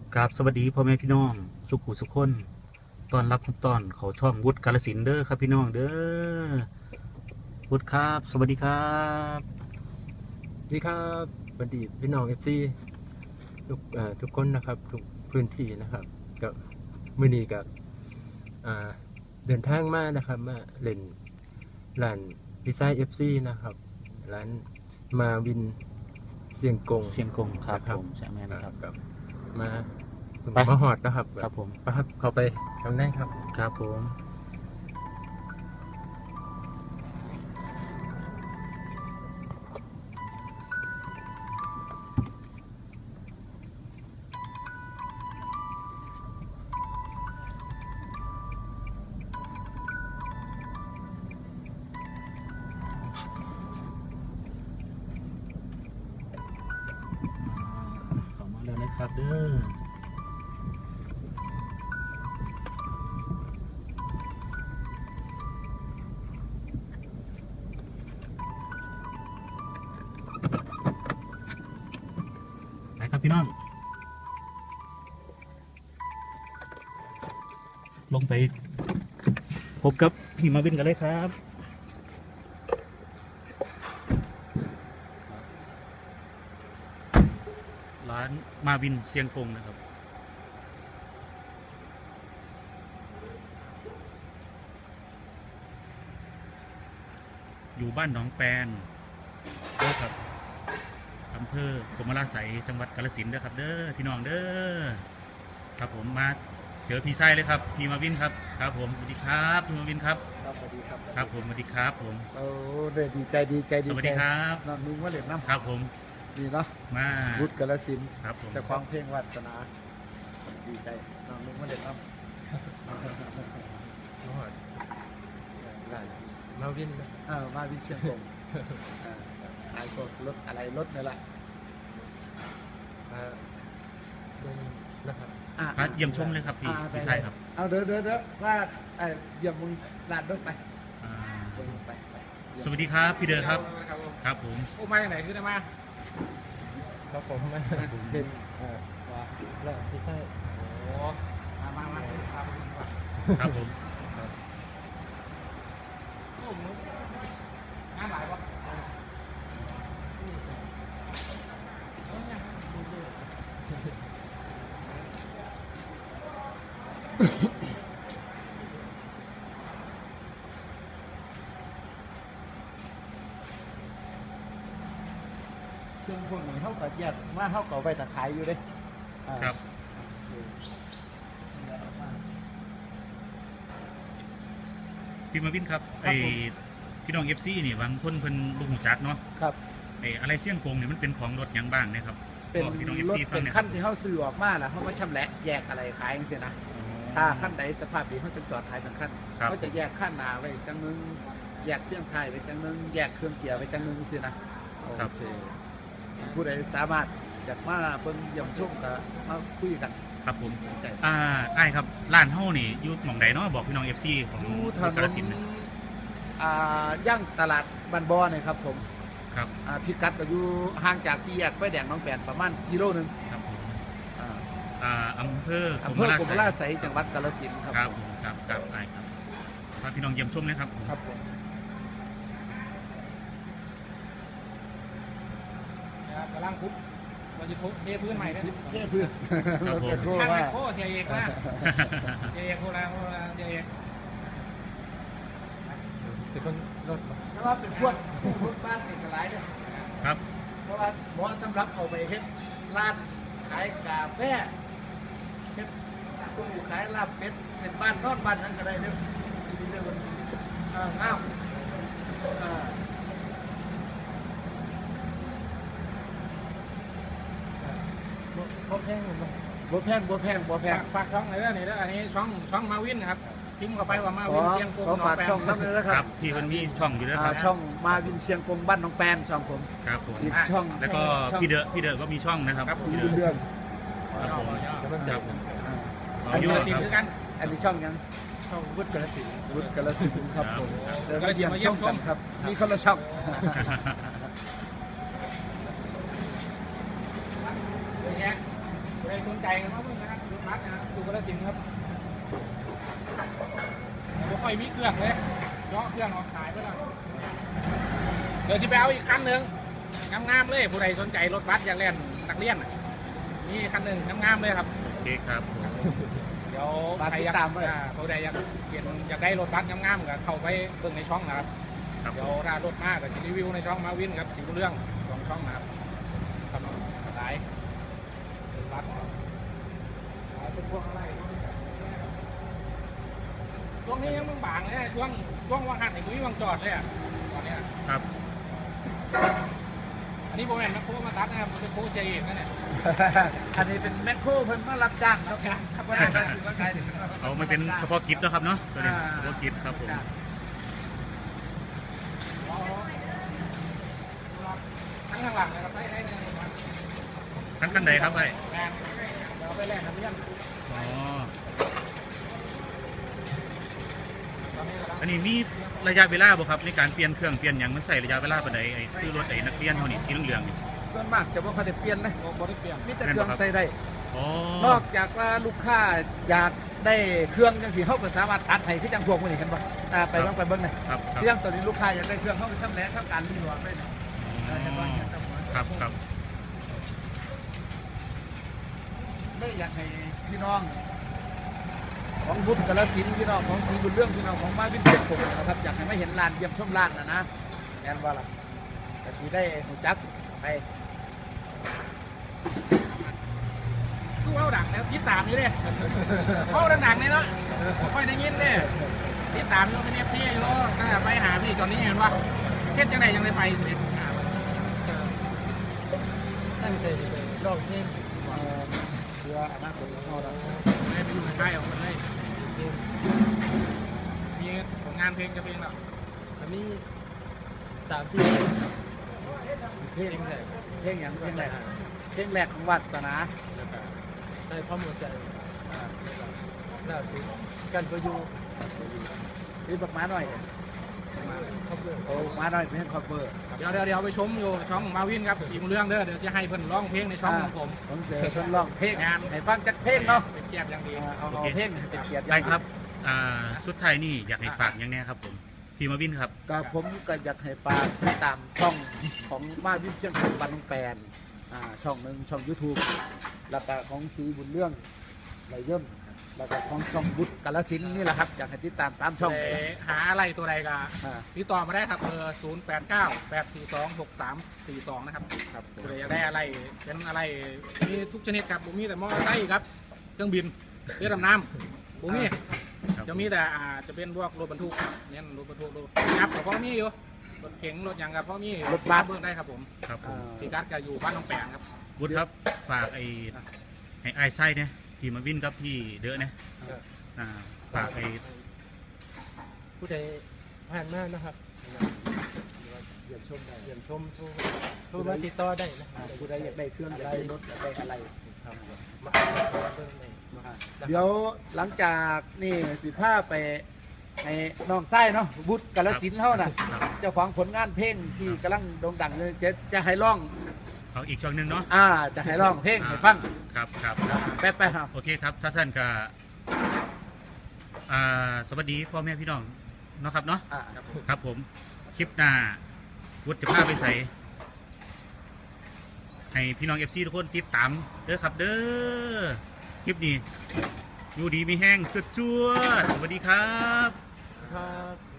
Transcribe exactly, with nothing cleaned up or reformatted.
กราบสวัสดีพ่อแม่พี่น้องสุขุสุขคนตอนรับทุกตอนเขาช่องวุฒิกาฬสินธุ์เด้อครับพี่น้องเด้อวุฒิครับ สวัสดีครับสวัสดีครับสวัสดีพี่น้องเอฟซีทุกทุกคนนะครับทุกพื้นที่นะครับกับมือนี้กับเดินทางมานะครับมาเล่นร้านดีไซน์เอฟซีนะครับร้านมาวินเสียงกงเสียงกงครับผมใช่ไหมนะครับกับมามาหอดนะครับครับผมครับเข้าไปข้างในครับครับผมเข้ามาแล้วนะครับเด้อพี่น้องลงไปพบกับพี่มาวินกันเลยครับร้านมาวินเสียงกงนะครับอยู่บ้านหนองแปนครับอำเภอกรมราชสีจังหวัดกาฬสินธุ์นะครับเด้อพี่น้องเด้อครับผมมาเจอพี่ไส้เลยครับพี่มาวินครับครับผมสวัสดีครับพี่มาวินครับครับสวัสดีครับครับผมสวัสดีครับผมโอ้เด็ดีใจดีใจดีสวัสดีครับน้องนุ่งว่าเล่นน้ำครับผมดีเนาะมาวุฒิกาฬสินธุ์ครับผมจะคล้องเพลงวัฒนาดีใจน้องนุ่งว่าเล่นน้ำมาวินเออมาวินเชียงกงขายพวกรถอะไรรถนี่แหละนะครับมาเยี่ยมชมเลยครับพี่พี่ไส้ครับเอาเด้อเด้อเด้อว่าเยี่ยมมึงลานรถไปไปสวัสดีครับพี่เด้อครับครับผมโอ้มาจากไหนขึ้นมาครับผมมาเป็นว่าแล้วพี่ไส้โอ้มามามาครับครับผมโอ้มึงงานหลายวะเครื่องพวกนี้เขาก็แยกว่าเขาก็ไปตะขายอยู่เด้ครับพี่มาวินครับไอพี่น้องเอฟซีนี่บางคนเพิ่นลุงจักเนาะครับไออะไรเสี่ยงกงเนี่ยมันเป็นของรถยังบ้างนะครับเป็นรถเป็นขั้นที่เขาซื้อออกมาแล้วเขามาชำแหละแยกอะไรขายอย่างเงี้ยนะถ้าขั้นใดสภาพดีเขาจะจอดขายเป็นขั้นเขาจะแยกขั้นหนาไว้จังนึงแยกเครื่องไทยไว้จังนึงแยกเครื่องเกียร์ไว้จังนึงสินะโอเคผู้ใดสามารถอยากมาเพิ่งย่ำชุ่มกับมาคุยกันครับผมอ่าไอ้ครับร้านเฮ้านี่อยู่หม่องใดเนาะบอกพี่น้องเอฟซีของกาฬสินธุ์อ่าย่างตลาดบ้านบ่อเนี่ยครับผมครับอ่าพิกัดก็อยู่ห่างจากสี่แยกไฟแดงน้องแปนประมาณกิโลนึงครับผมอ่าอำเภออำเภอกรมราชสีจังหวัดกาฬสินธุ์ครับครับครับครับไอ้ครับพาพี่น้องเยี่ยมชมเลยครับครับผมกำลังคุบเราจะทุบเทพื้นใหม่นะเทพื้นครับผมช่างโค้เสียเอกนะเสียเอกโคราโคราเสียเอกเป็นคนรถเพราะว่าเป็นพวกรถบ้านเอกลัยเนี่ยครับเพราะว่าเหมาะสำหรับเอาไปเฮ็ดร้านขายกาแฟเฮ็ดตู้ขายลาบเป็ดเป็นบ้านนอนบ้านนั่นก็ได้เนี่ยดีๆเลยมันอ่าน้ำอ่าบ่แพงบ่บ่แพงบ่แพงบ่แพงฝากช่องไหนเรื่องนี้แล้วอันนี้ช่องช่องมาวินนะครับพิมพ์เข้าไปว่ามาวินเชียงกงขอฝากช่องนั้นเลยนะครับพี่มันมีช่องอยู่ด้วยครับช่องมาวินเชียงกงบ้านน้องแปนช่องผมครับผมอีกช่องแล้วก็พี่เดอะพี่เดอะก็มีช่องนะครับสีเดือนครับผมครับผมอันนี้สินคือกันอันนี้ช่องยังช่องวุฒิกาฬสินธุ์วุฒิกาฬสินธุ์ครับผมเดี๋ยวมาเยี่ยมช่องกันครับมีคนละช่องใครสนใจกันบ้างไหมบัสนะอยู่กระสินครับผมค่อยมีเครื่องเลยเนาะเครื่องออกขายไปแล้วเดี๋ยวสิไปเอาอีกคันหนึ่งงามๆเลยผู้ใดสนใจรถบัสอยากเล่นนักเรียนนี่คันหนึ่งงามๆเลยครับโอเคครับผมเดี๋ยวใครอยากผู้ใดอยากเปลี่ยนอยากได้รถบัสงามๆก็เข้าไปเบิ่งในช่องนะครับครับเดี๋ยวถ้ารถมากก็จะรีวิวในช่องมาวินครับสีเรื่องสองช่องนะครับครับหลายรถบัสหลายเป็นพวกอะไรช่วงนี้ยังบางๆเลยนะช่วงช่วงว่างหันไอ้กุ้ยวางจอดเลยอ่ะตอนนี้ครับอันนี้โบแมนแมคโครมาตัดนะครับเป็นโคเชียร์เองนะเนี่ยอันนี้เป็นแมคโครเพิ่นมารับจ้างเขาครับครับว่าได้ก็ถือว่าไกลถึงเอามาเป็นเฉพาะกิฟต์นะครับเนาะตัวนี้เฉพาะกิฟต์ครับผมทั้งข้างหลังนะครับได้ได้เลยครับทั้งคันใดครับไอ้แมนเดี๋ยวไปแลกน้ำเลี้ยงอ๋อตอนนี้กำลังอันนี้มีระยะเวลาบ่ครับในการเปลี่ยนเครื่องเปลี่ยนอย่างมันใส่ระยะเวลาปานใดไอ้คือรถไอ้นักเรียนเฮานี่สีเหลืองๆนี่ส่วนมากจะบ่ค่อยได้เปลี่ยนนะโอ้โหได้เปลี่ยนมีแต่เครื่องใส่ได้อ๋อนอกจากว่าลูกค้าอยากได้เครื่องจังสิเขาก็สามารถตัดให้คือจังพวกมื้อนี้เห็นบ่อ่าไปเบิ่งไปเบิ่งหน่อยครับครับเรื่องตอนนี้ลูกค้าอยากได้เครื่องเขาไปทำแหลกทำการรีโหลดได้เนี่ยอ๋อครับครับได้อยากให้พี่น้อง ของบุญกาฬสินธุ์พี่น้องของศรีบุญเรื่องพี่น้องของมาวินเชียงคงนะครับอยากให้มาเห็นลานเยี่ยมชมลานนะนะแอนว่าล่ะแต่ที่ได้หูจักไปคือว่าดังแล้วติดตามอยู่เนี่ยเขาดังๆเลยเนาะค่อยได้ยินเนี่ยติดตามอยู่เป็นเอฟซีอยู่ก็ไปหาพี่ตอนนี้เห็นว่าเทศจังไหนยังได้ไปเลยตั้งใจลองเพลงเอ่อเพื่ออนาคตของเราไปอยู่ในค่ายของคนเลยมีผลงานเพลงจะเพลงหรออันนี้สามสี่เพลงแรกเพลงอย่างเพลงแรกเพลงแรกของวัดศาสนาได้ความหัวใจล่าสุดกันประยุกต์ที่บักม้าหน่อยเขาเบื่อโอ้ม้าหน่อยเพลงคอเวอร์เดี๋ยวเดี๋ยวเดี๋ยวไปชมอยู่ช่องมาวินครับสีมุเรื่องเด้อเดี๋ยวจะให้เพิ่นร้องเพลงในช่องของผมผมเสือทดลองเพลงงานให้ฟังจากเพลงเนาะเป็นเกียรติอย่างดีอ่าเอาเอาเพลงให้เป็นเกียรติอได้ย่างครับอ่าสุดท้ายนี่อยากให้ฝากอย่างแนี้ครับผมพี่มาวินครับก็ผมก็อยากให้ฝากติดตามช่องของมาวินเชียงคงบันแปนอ่าช่องหนึ่งช่อง YouTube แล้วก็ของศรีบุญเรื่องไรเยิ่มแล้วก็ของช่องบุตรกาฬสินธุ์นี่แหละครับอยากให้ติดตามสามช่องเลเลยยหาอะไรตัวใดก็อ่าติดต่อมาได้ครับเบอร์ศูนย์แปดเก้าแปดสี่สองหกสามสี่สองนะครับครับผมตัวใดอยากได้อะไรเป็นอะไรมีทุกชนิดครับบุมีแต่มอเตอร์ไซค์ครับเครื่องบินเรือดำน้ำบุมีครับจะมีแต่อ่าจะเป็นพวกรถบรรทุกเนี่ยรถบรรทุกรถยับกับพ่อมีอยู่รถเก๋งรถหยังกับพ่อมีรถบัสเบิ่งได้ครับผมครับผมสีกัสก็อยู่บ้านน้องแปงครับวุฒิครับฝากไอ้ไอ้ไอ้ไส้เนี่ยพี่มาวินกับพี่เด้อเนี่ยอ่าฝากไอ้ผู้ใดผ่านมานะครับเยี่ยมชมได้เยี่ยมชมโทรโทรมาติดต่อได้นะอ่าผู้ใดอยากได้เครื่องอยากได้รถอยากได้อะไรครับมาเบิ่งเลยเดี๋ยวหลังจากนี่สิพาไปให้น้องไส้เนาะบุตรกาฬสินธุ์เท่าน่ะครับเจ้าของผลงานเพลงที่กำลังโด่งดังเลยจะจะให้ร้องเอาอีกช่องหนึ่งเนาะอ่าจะให้ร้องเพลงให้ฟังครับครับครับแป๊บไปครับโอเคครับถ้าท่านก็อ่าสวัสดีพ่อแม่พี่น้องเนาะครับเนาะอ่าครับผมคลิปหน้าวุฒิจะพาไปใส่ให้พี่น้องเอฟซีทุกคนติดตามเด้อครับเด้อคลิปนี้อยู่ดีมีแห้งจุดจวดๆสวัสดีครับครับ